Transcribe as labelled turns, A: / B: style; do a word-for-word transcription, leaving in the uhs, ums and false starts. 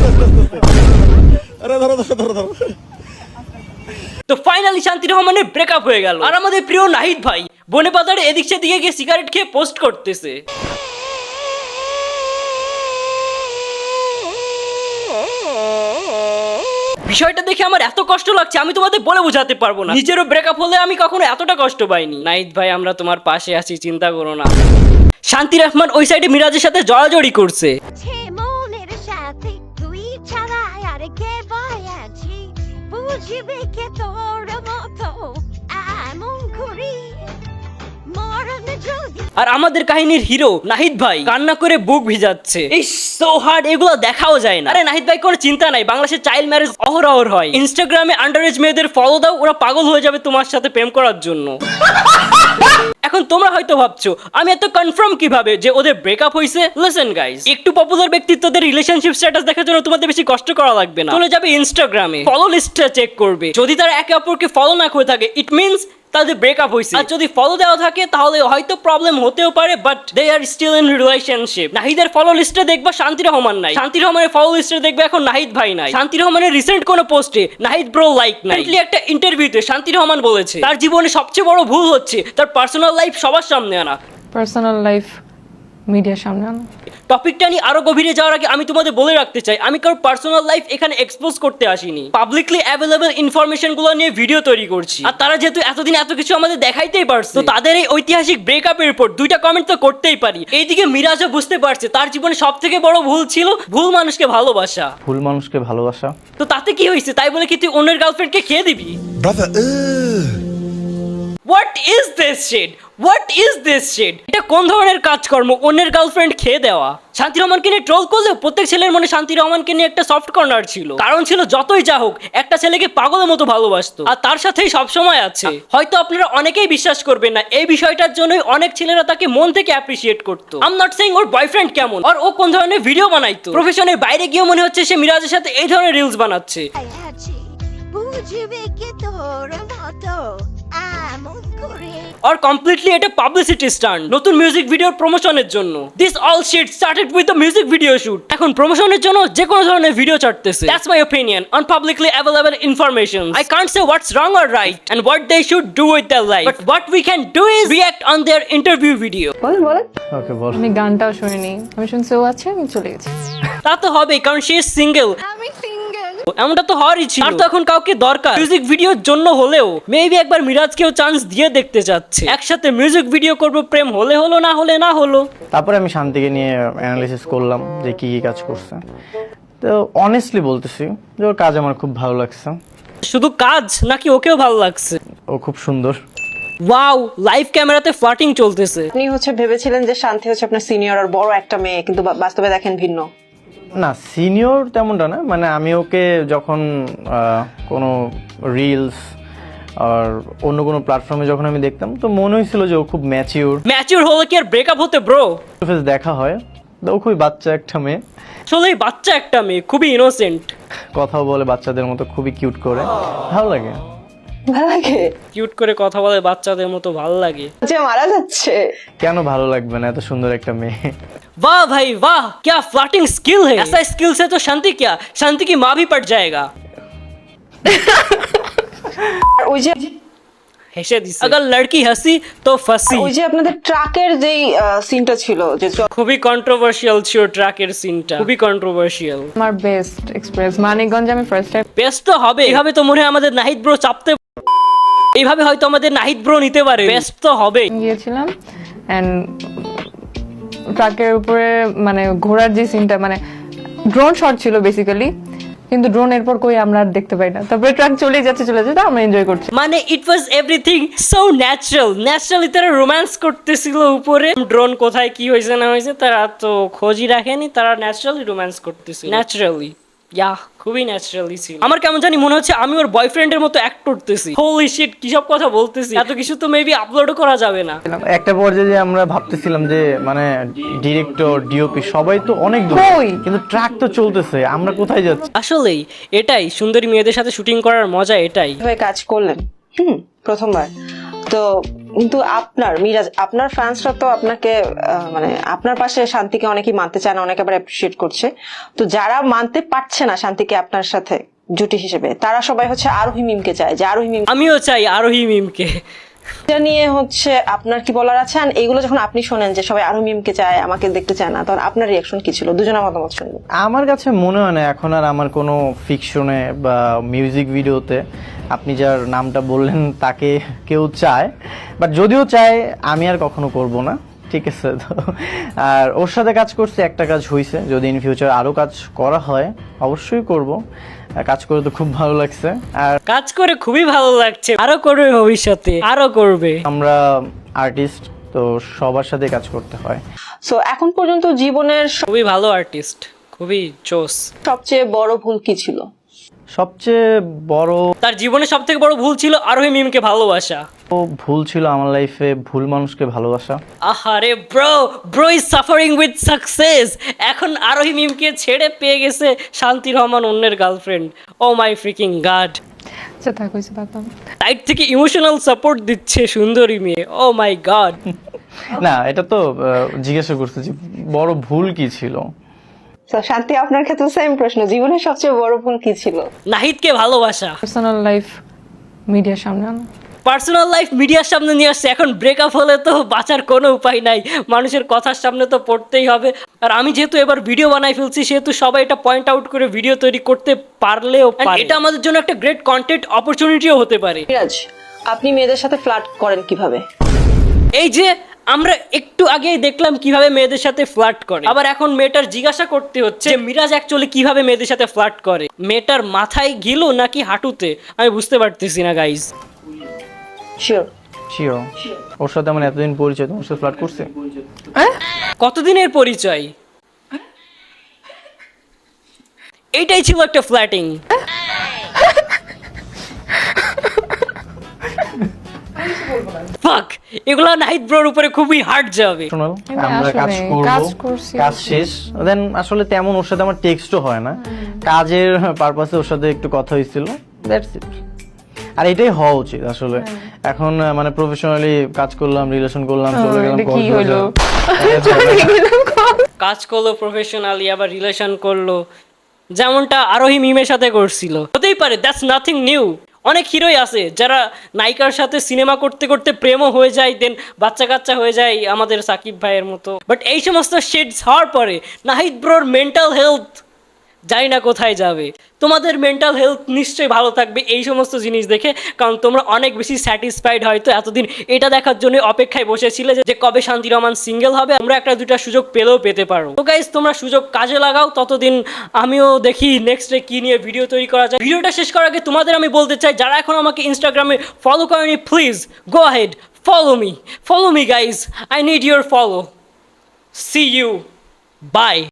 A: আরে ধরো ধরো ধরো ধরো।
B: তো ফাইনালি শান্তি রহমানের ব্রেকআপ হয়ে গেল, আর আমাদের প্রিয় নাহিদ ভাই বনে পাতারে এদিক সেদিকে গিয়ে সিগারেট খেয়ে পোস্ট করতেছে। বিষয়টা দেখে আমার এত কষ্ট লাগছে আমি তোমাদের বলে বোঝাতে পারবো না। নিজেরও ব্রেকআপ হলে আমি কখনো এতটা কষ্ট পাইনি। নাহিদ ভাই আমরা তোমার পাশে আছি, চিন্তা করো না। শান্তি রহমান ওই সাইডে মিরাজের সাথে জড়াজড়ি করছে। আর আমাদের কাহিনীর হিরো নাহিদ ভাই কান্না করে বুক ভিজাচ্ছে। এই সো হার্ড, এগুলো দেখাও যায় না। আরে নাহিদ ভাই কোনো চিন্তা নাই, বাংলাদেশে চাইল্ড ম্যারেজ অহরহ হয়। ইনস্টাগ্রামে আন্ডারএজ মেয়েদের ফলো দাও, ওরা পাগল হয়ে যাবে তোমার সাথে প্রেম করার জন্য। এখন তোমরা হয়তো ভাবছো আমি এত কনফার্ম কিভাবে যে ওদের ব্রেকআপ হয়েছে। লিসেন গাইস, একটু পপুলার ব্যক্তিত্বদের রিলেশনশিপ স্ট্যাটাস দেখার জন্য তোমাদের বেশি কষ্ট করা লাগবে না। চলে যাবে ইনস্টাগ্রামে, ফলো লিস্টটা চেক করবে। যদি তারা একে অপরকে ফলো না করে থাকে ইট মিনস তাদের ব্রেকআপ হয়েছে। আর যদি ফলো দেওয়া থাকে তাহলে হয়তো প্রবলেম হতেও পারে, but they are still in relationship. নাহিদের ফলো লিস্টে দেখবা শান্তি রহমান নাই, শান্তি রহমানের ফলো লিস্টে দেখবে এখন নাহিদ ভাই নাই। শান্তি রহমানের রিসেন্ট কোনো পোস্টে নাহিদ ব্রো লাইক নাই। একটা ইন্টারভিউতে শান্তি রহমান বলেছে তার জীবনে সবচেয়ে বড় ভুল হচ্ছে তার পার্সোনাল লাইফ সবার সামনে আনা।
C: পার্সোনাল লাইফ মিডিয়ার সামনে আনা।
B: টপিকটা নিয়ে আরো গভীরে যাওয়ার আগে আমি তোমাদের বলে রাখতে চাই আমি কারো পার্সোনাল লাইফ এখানে এক্সপোজ করতে আসিনি। পাবলিকলি অ্যাভেলেবল ইনফরমেশন গুলো নিয়ে ভিডিও তৈরি করছি। আর তারা যেহেতু এতদিন এত কিছু আমাদের দেখাইতেই পারছে, তো তাদের এই ঐতিহাসিক ব্রেকআপের উপর দুইটা কমেন্ট তো করতেই পারি। এইদিকে মিরাজও বুঝতে পারছে তার জীবনে সব থেকে বড় ভুল ছিল ভুল মানুষকে ভালোবাসা।
D: ভুল মানুষকে ভালোবাসা
B: তো তাতে কি হয়েছে? তাই বলে কি তুই অন্যের গার্লফ্রেন্ডকে খেয়ে দিবি?
A: Brother
B: what is this shit? What is this shit? এটা কোন ধরনের কাজকর্ম অন্যের গার্লফ্রেন্ড খেয়ে দেওয়া? শান্তি রহমানকে নিয়ে ট্রোল করলেও প্রত্যেক ছেলের মনে শান্তি রহমানকে নিয়ে একটা সফট কর্নার ছিল। কারণ ছিল যতই যা হোক একটা ছেলেকে পাগলের মতো ভালোবাসতো আর তার সাথেই সবসময় আছে। হয়তো আপনারা অনেকেই বিশ্বাস করবেন না, এই বিষয়টার জন্যই অনেক ছেলেরা তাকে মন থেকে অ্যাপ্রিসিয়েট করতো। আই এম নট সেইং ওর বয়ফ্রেন্ড কেমন আর ও কোন ধরনের ভিডিও বানাইতো। প্রফেশনের বাইরে গিয়ে মনে হচ্ছে সে মিরাজের সাথে এই ধরনের রিলস বানাচ্ছে। আর কমপ্লিটলি এটা পাবলিসিটি স্টান্ট, নতুন মিউজিক ভিডিওর প্রমোশনের জন্য। This all shit started with the music video shoot. এখন প্রমোশনের জন্য যে কোনো ধরনের ভিডিও ছাড়তেছে। That's my opinion on publicly available information. I can't say what's wrong or right and what they should do with their life, but what we can do is react on their interview video.
C: বল বল।
D: Okay বল।
C: আমি গানটাও শুনিনি, আমি শুনছি ও আছে, আমি চলে গেছি।
B: তা তো হবে কারণ সে সিঙ্গেল।
C: আমি সিঙ্গেল।
B: এমনটা তো হওয়ারই ছিল। আর তো এখন কাউকে দরকার মিউজিক ভিডিওর জন্য হলেও মেবি একবার মিরাজকেও চান্স দিয়ে দেখতে চাচ্ছে। একসাথে মিউজিক ভিডিও করব, প্রেম হলে হলো না হলে না হলো।
D: তারপরে আমি শান্তিকে নিয়ে অ্যানালিসিস করলাম যে কি কি কাজ করছে। তো অনেস্টলি বলতেছি যে ওর কাজ আমার খুব ভালো লাগছে।
B: শুধু কাজ নাকি ওকেও ভালো লাগছে?
D: ও খুব সুন্দর।
B: ওয়াও, লাইভ ক্যামেরাতে ফ্লার্টিং চলতেছে।
E: আপনি হচ্ছে ভেবেছিলেন যে শান্তি হচ্ছে আপনার সিনিয়র আর বড় একটা মেয়ে, কিন্তু বা- বাস্তবে দেখেন ভিন্ন।
D: না সিনিয়র তেমনটা না, মানে আমি ওকে যখন আহ, কোনো রিলস আর অন্য কোনো প্ল্যাটফর্মে যখন আমি দেখতাম তো মনে হয়েছিল যে ও খুব ম্যাচিওর।
B: ম্যাচিউর হলে কি আর ব্রেকআপ হতে ব্রো?
D: ফেস দেখা হয় তো ও খুবই বাচ্চা একটা মেয়ে,
B: আসলেই বাচ্চা একটা মেয়ে, খুবই ইনোসেন্ট।
D: কথাও বলে বাচ্চাদের মতো, খুবই কিউট করে, ভালো লাগে।
E: ভালো লাগে
B: কিউট করে কথা বলে বাচ্চাদের মতো, ভালো লাগে।
E: যে মারা যাচ্ছে।
D: কেন ভালো লাগবে না, এত সুন্দর একটা মেয়ে।
B: वाह भाई वाह, क्या फ्लर्टिंग स्किल है। ऐसा स्किल से तो शांति क्या शांति की माँ भी पट जाएगा।
E: আর ওই যে
B: হেসে দিছে। अगर लड़की हंसी तो फंसी।
E: ওই যে আপনাদের ট্রাকের যেই সিনটা ছিল যে চ-
B: খুবই কন্ট্রোভার্সিয়াল ছিল ট্র্যাকের সিনটা, খুবই কন্ট্রোভার্সিয়াল।
C: আমার বেস্ট এক্সপ্রেস মানিকগঞ্জে আমি ফার্স্ট টাইম।
B: বেস্ট তো হবে, এইভাবে তো মনে হয় আমাদের নাহিদ ব্রো চাপতে, এইভাবে হয়তো আমাদের নাহিদ ব্রো নিতে পারে। বেস্ট তো হবে।
C: গিয়েছিলাম এন্ড ট্রাকের উপরে মানে ঘোড়ার যে সিনটা, মানে ড্রোন শট ছিল বেসিক্যালি, কিন্তু ড্রোন এরপর কই আমরা আর দেখতে পাই না। তারপরে ট্রাক চলে যাচ্ছে চলে যাচ্ছে, আমরা এনজয় করছি।
B: মানে it was everything so natural. Naturally তারা রোম্যান্স করতেছিল উপরে। ড্রোন কোথায় কি হয়েছে না হয়েছে তারা তো খোঁজই রাখেনি, তারা ন্যাচারালি রোম্যান্স করতেছিল। ন্যাচারালি ইয়া, খুবই ন্যাচারালি ছিল। আমার কেমন জানি মনে হচ্ছে আমি ওর বয়ফ্রেন্ডের মতো অ্যাক্ট করতেছি। হোলি শিট, কি সব কথা বলতেছি। এত কিছু তো মেবি আপলোডও করা যাবে না।
D: একটা পর্যায়ে যে আমরা ভাবতেছিলাম যে মানে ডিরেক্টর ডিওপি সবাই তো অনেক দূর,
C: কই?
D: কিন্তু ট্রাক তো চলতেছে, আমরা কোথায় যাচ্ছি?
B: আসলেই এটাই সুন্দরী মেয়েদের সাথে শুটিং করার মজা, এটাই।
E: কিভাবে কাজ করলেন হুম প্রথমবার তো কিন্তু আপনার মিরাজ আপনার ফ্যান্সরা তো আপনাকে আহ, মানে আপনার পাশে শান্তিকে অনেকেই মানতে চায় না, অনেকে আবার অ্যাপ্রিসিয়েট করছে। তো যারা মানতে পারছে না শান্তিকে আপনার সাথে জুটি হিসেবে, তারা সবাই হচ্ছে আরোহী মিমকে চায়, যে আরোহী মিম
B: আমিও চাই আরোহী মিমকে।
E: এটা নিয়ে হচ্ছে আপনার কি বলার আছে? আর এইগুলো যখন আপনি শোনেন যে সবাই আরোহী মিমকে চায়, আমাকে দেখতে চায় না, তখন আপনার রিয়াকশন কি ছিল? দুজনের মতামত শুনবো।
D: আমার কাছে মনে হয় না এখন আর আমার কোনো ফিকশনে বা মিউজিক ভিডিওতে আপনি যার নামটা বললেন তাকে কেউ চায়, বাট যদিও চায় আমি আর কখনো করব না, ঠিক আছে? তো আর ওর সাথে কাজ করছে, একটা কাজ হয়েছে, যদি ইন ফিউচার আরও কাজ করা হয় অবশ্যই করব। কাজ করে তো খুব ভালো লাগছে, আর
B: কাজ করে খুবই ভালো লাগছে, আরো করবে ভবিষ্যতে, আরো করবে।
D: আমরা আর্টিস্ট, তো সবার সাথে কাজ করতে হয়।
E: সো এখন পর্যন্ত জীবনের
B: খুবই ভালো আর্টিস্ট, খুবই জোস।
E: সবচেয়ে বড় ভুল কি ছিল?
D: সবচেয়ে বড়
B: তার জীবনে সব থেকে বড় ভুল ছিল আরোহী মিমকে ভালোবাসা।
D: ভুল ছিল আমার লাইফে ভুল মানুষকে ভালোবাসা।
B: আহারে bro, bro is suffering with success. এখন আরোহী মিমকে ছেড়ে পেয়ে গেছে শান্তি রহমান অন্যের girlfriend. Oh my freaking god.
C: আচ্ছা থাক হয়েছে বাতাম।
B: সাইড থেকে ইমোশনাল সাপোর্ট দিচ্ছে সুন্দরী মেয়ে। Oh my god.
D: না, এটা তো আহ, জিজ্ঞাসা করছে যে বড় ভুল কি ছিল।
E: তো শান্তি, আপনার ক্ষেত্রে সেম প্রশ্ন, জীবনের সবচেয়ে বড় ভুল কি ছিল?
B: নাহিদকে ভালোবাসা।
C: পার্সোনাল লাইফ মিডিয়ার সামনে আনা।
B: পার্সোনাল লাইফ মিডিয়ার সামনে নিয়ে আসছে। এখন ব্রেকআপ হলে তো বাঁচার কোনো উপায় নাই, মানুষের কথার সামনে তো পড়তেই হবে। আর আমি যেহেতু এবার ভিডিও বানাই ফেলছি, সেহেতু সবাই এটা পয়েন্ট আউট করে ভিডিও তৈরি করতে পারলেও পারে। এটা আমাদের জন্য একটা গ্রেট কন্টেন্ট অপরচুনিটিও হতে পারে।
E: মিরাজ, আপনি মেয়েদের সাথে ফ্লার্ট করেন কিভাবে?
B: এই যে আমরা একটু আগেই দেখলাম কিভাবে মেয়েদের সাথে ফ্লার্ট করে, আবার এখন মেয়েটার জিজ্ঞাসা করতে হচ্ছে যে মিরাজ অ্যাকচুয়ালি কিভাবে মেয়েদের সাথে ফ্লার্ট করে। মেয়েটার মাথায় গিলো নাকি হাঁটুতে, আমি বুঝতে পারতেছি না গাইজ।
E: শিওর
D: শিওর ওর সাথে আমার এতদিন পরিচয়, তোমার সাথে ফ্লার্ট করছে?
B: কতদিনের পরিচয়? এইটাই ছিল একটা ফ্ল্যাটিং। ফাক, এগুলো নাহিদ ব্রোর উপরে খুবই হার্ড যাবে।
D: শোনাল,
C: আমি
D: আমরা কাজ
C: আসলে
D: করব,
C: কাজ করছি।
D: কাজ শেষ, দেন আসলে তেমন ওর সাথে আমার টেক্সটও হয় না, কাজের পারপাসে ওর সাথে একটু কথা হয়েছিল, দ্যাটস ইট। আর এটাই হওয়া উচিত আসলে। এখন আহ, মানে প্রফেশনালি কাজ করলাম, রিলেশন করলাম, চলে গেলাম
C: এটা কি হলো?
D: কক্সবাজার।
B: কাজ করলো প্রফেশনালি, আবার রিলেশন করলো, যেমনটা আরোহী মিমের সাথে করছিল। হতেই পারে, দ্যাটস নাথিং নিউ। অনেক হিরোই আছে যারা নায়িকার সাথে সিনেমা করতে করতে প্রেমও হয়ে যায়, দেন বাচ্চা কাচ্চা হয়ে যায়, আমাদের সাকিব ভাইয়ের মতো। বাট এই সমস্ত শেডস হওয়ার পরে নাহিদ ব্রোর মেন্টাল হেলথ জানি না কোথায় যাবে। তোমাদের মেন্টাল হেলথ নিশ্চয়ই ভালো থাকবে এই সমস্ত জিনিস দেখে, কারণ তোমরা অনেক বেশি স্যাটিসফাইড হয়তো এতদিন এটা দেখার জন্য অপেক্ষায় বসেছিলে যে কবে শান্তি রহমান সিঙ্গেল হবে, আমরা একটা দুটা সুযোগ পেলেও পেতে পারো। তো গাইজ, তোমরা সুযোগ কাজে লাগাও, ততদিন আমিও দেখি নেক্সটে কি নিয়ে ভিডিও তৈরি করা যায়। ভিডিওটা শেষ করার আগে তোমাদের আমি বলতে চাই, যারা এখন আমাকে ইনস্টাগ্রামে ফলো করেনি, please go ahead, follow me, follow me guys, I need your follow. See you, by.